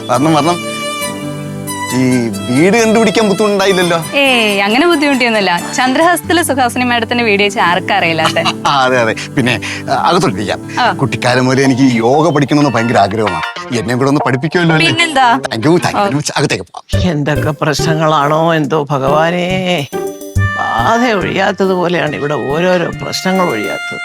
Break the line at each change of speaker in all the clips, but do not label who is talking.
വരണം. ഈ വീട് കണ്ടുപിടിക്കാൻ ബുദ്ധിമുട്ടുണ്ടായില്ലല്ലോ?
അങ്ങനെ ബുദ്ധിമുട്ടിയൊന്നുമില്ല. ചന്ദ്രഹസ്തത്തിലെ സുഹാസിനി മാഡത്തിന്റെ വീട് വെച്ച് ആർക്കറിയില്ലാത്ത.
അതെ. പിന്നെ അകത്തോട്ടിരിക്കാം. കുട്ടിക്കാലം മുതലേ എനിക്ക് യോഗ പഠിക്കണമെന്ന് ഭയങ്കര ആഗ്രഹമാണ്. എന്നെ കൂടെ ഒന്ന് പഠിപ്പിക്കുമല്ലോ?
പിന്നെന്താ.
Thank you. അകത്തേക്ക് പോവാം.
എന്തൊക്കെ പ്രശ്നങ്ങളാണോ എന്തോ ഭഗവാനേ. ബാധ ഒഴിയാത്തത് പോലെയാണ് ഇവിടെ ഓരോരോ പ്രശ്നങ്ങൾ ഒഴിയാത്തത്.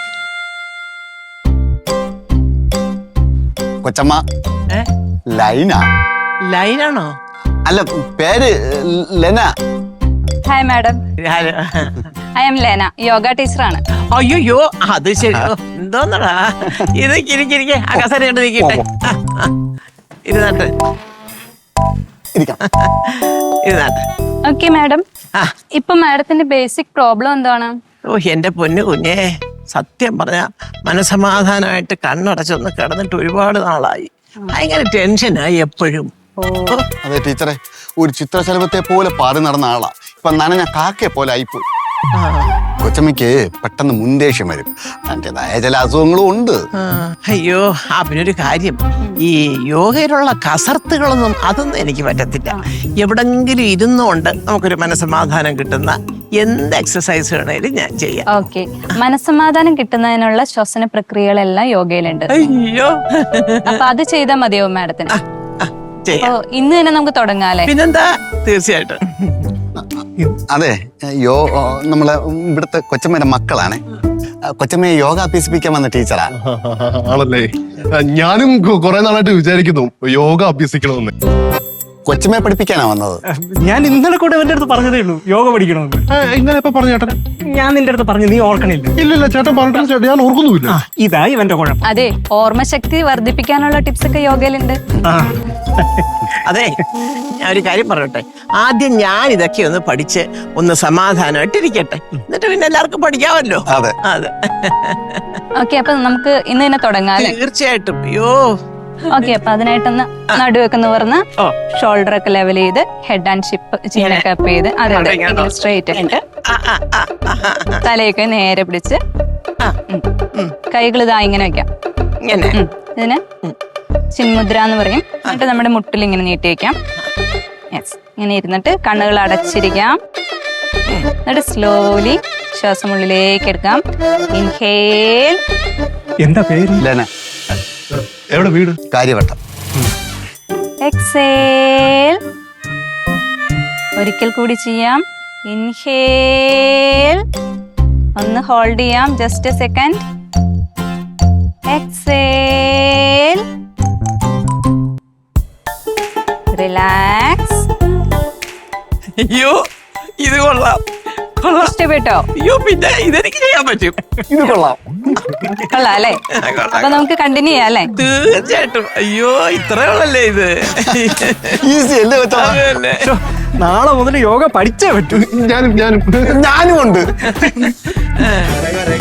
കൊച്ചമ്മ ലൈനാ?
ലൈനാണോ?
അല്ല, പേര് Lena.
Hi madam, I am Lena, yoga ടീച്ചറാണ്.
അയ്യോ അത് ശരി. എന്തോന്നടാ ഇരിക്കെ അകസര കണ്ട് നിൽക്കട്ടെ. ഇരുന്നാട്ടെ.
Okay madam. ഇപ്പൊ മാഡത്തിന്റെ ബേസിക് പ്രോബ്ലം എന്താണ്?
എന്റെ പൊന്നു കുഞ്ഞേ, സത്യം പറഞ്ഞ മനസമാധാനമായിട്ട് കണ്ണടച്ചൊന്ന് കിടന്നിട്ട് ഒരുപാട് നാളായി. ഭയങ്കര ടെൻഷനായി എപ്പോഴും.
അതെ ടീച്ചറെ, ഒരു ചിത്രശലഭത്തെ പോലെ പാറി നടന്ന ആളാ. ഇപ്പൊ നനഞ്ഞ കാക്കയെ പോലെ ആയിപ്പോയി. കൊച്ചമ്മയ്ക്ക് പെട്ടെന്ന് മുൻദേഷ്യം വരും. അതിൻ്റെതായ ചില അസുഖങ്ങളും ഉണ്ട്.
അയ്യോ, പിന്നൊരു കാര്യം, ഈ യോഗയിലുള്ള കസർത്തുകളൊന്നും അതൊന്നും എനിക്ക് പറ്റത്തില്ല. എവിടെങ്കിലും ഇരുന്നുകൊണ്ട് നമുക്കൊരു മനസ്സമാധാനം കിട്ടുന്ന എന്ത് എക്സസൈസ് വേണേലും ഞാൻ ചെയ്യാം.
ഓക്കെ, മനസ്സമാധാനം കിട്ടുന്നതിനുള്ള ശ്വസന പ്രക്രിയകളെല്ലാം യോഗയിലുണ്ട്.
അയ്യോ,
അപ്പൊ അത് ചെയ്താൽ മതിയോ മാഡത്തിന്? ഇന്ന് തന്നെ നമുക്ക് തുടങ്ങാല്ലേ?
പിന്നെന്താ, തീർച്ചയായിട്ടും.
അതെ, നമ്മളെ ഇവിടുത്തെ കൊച്ചമ്മയുടെ മക്കളാണ്. കൊച്ചമ്മയെ യോഗ അഭ്യസിപ്പിക്കാൻ വന്ന ടീച്ചറാ.
ആണല്ലേ? ഞാനും കുറെ നാളായിട്ട് വിചാരിക്കുന്നു യോഗ അഭ്യസിക്കണമെന്ന്.
കൊച്ചമ്മയെ പഠിപ്പിക്കാനാ വന്നത്?
ഞാൻ ഇന്നലെ കൂടെ എന്റെ അടുത്ത് പറഞ്ഞതേ ഉള്ളൂ യോഗ പഠിക്കണമെന്ന്.
ഇന്നലെ എപ്പോ പറഞ്ഞു ചേട്ടൻ?
ഞാൻ നിന്റെ അടുത്ത് പറഞ്ഞു, നീ ഓർക്കണില്ല.
ഇല്ല ചേട്ടൻ പറഞ്ഞിട്ടില്ല ചേട്ടൻ, ഞാൻ ഓർക്കുന്നുമില്ല.
ഇതാ ഇവന്റെ കുഴപ്പം.
അതെ, ഓർമ്മശക്തി വർദ്ധിപ്പിക്കാനുള്ള ടിപ്സ് ഒക്കെ യോഗയിലുണ്ട്.
അതെ, ഞാൻ ഒരു കാര്യം പറയട്ടെ. ആദ്യം ഞാൻ ഇതൊക്കെ ഒന്ന് പഠിച്ച് ഒന്ന് സമാധാനമായിട്ടിരിക്കട്ടെ, എന്നിട്ട് പിന്നെ എല്ലാവർക്കും പഠിക്കാമല്ലോ.
അതെ.
ഓക്കെ, അപ്പൊ നമുക്ക് ഇന്ന് തന്നെ തുടങ്ങാല്ലേ?
തീർച്ചയായിട്ടും. അയ്യോ,
ഓക്കെ, അപ്പൊ അതിനായിട്ടൊന്ന് നടുവൊക്കെ നിവർന്ന് ഷോൾഡർ ഒക്കെ ലെവൽ ചെയ്ത് ഹെഡ് ആൻഡ് ഷിപ്പ് ചീനൊക്കെ അപ്പ് ചെയ്ത് അതെ സ്ട്രെയിറ്റ് തലയൊക്കെ നേരെ പിടിച്ച് കൈകൾ ഇതാ ഇങ്ങനെ വെക്കാം. ഇതിന് ചിന്മുദ്ര എന്ന് പറയും. എന്നിട്ട് നമ്മുടെ മുട്ടിൽ ഇങ്ങനെ നീട്ടി വെക്കാം. യെസ്, ഇങ്ങനെ ഇരുന്നിട്ട് കണ്ണുകൾ അടച്ചിരിക്കാം. എന്നിട്ട് സ്ലോലി ശ്വാസം ഉള്ളിലേക്ക് എടുക്കാം. ഇൻഹേൽ.
എന്താ പേര്?
ലെന.
എവിടെ വീട്?
കാര്യവട്ടം.
എക്സേൽ. ഒരിക്കൽ കൂടി ചെയ്യാം. ഇൻഹേൽ. ഒന്ന് ഹോൾഡ് ചെയ്യാം, just a second. Exhale. Relax.
അയ്യോ, ഇത് കൊള്ളാം.
ഇഷ്ടപ്പെട്ടോ?
അയ്യോ, പിന്നെ ഇതെനിക്ക് ചെയ്യാൻ പറ്റും.
ഇത് കൊള്ളാം.
കൊള്ളാം അല്ലേ? അപ്പൊ നമുക്ക് കണ്ടിന്യൂ ചെയ്യാം അല്ലേ?
തീർച്ചയായിട്ടും. അയ്യോ, ഇത്രയുള്ളല്ലേ ഇത്?
ഈസി അല്ലേ കൊച്ചമ്മ?
നാളെ മുതൽ യോഗ പഠിച്ചേ പറ്റൂ.
ഞാനും
ഉണ്ട്.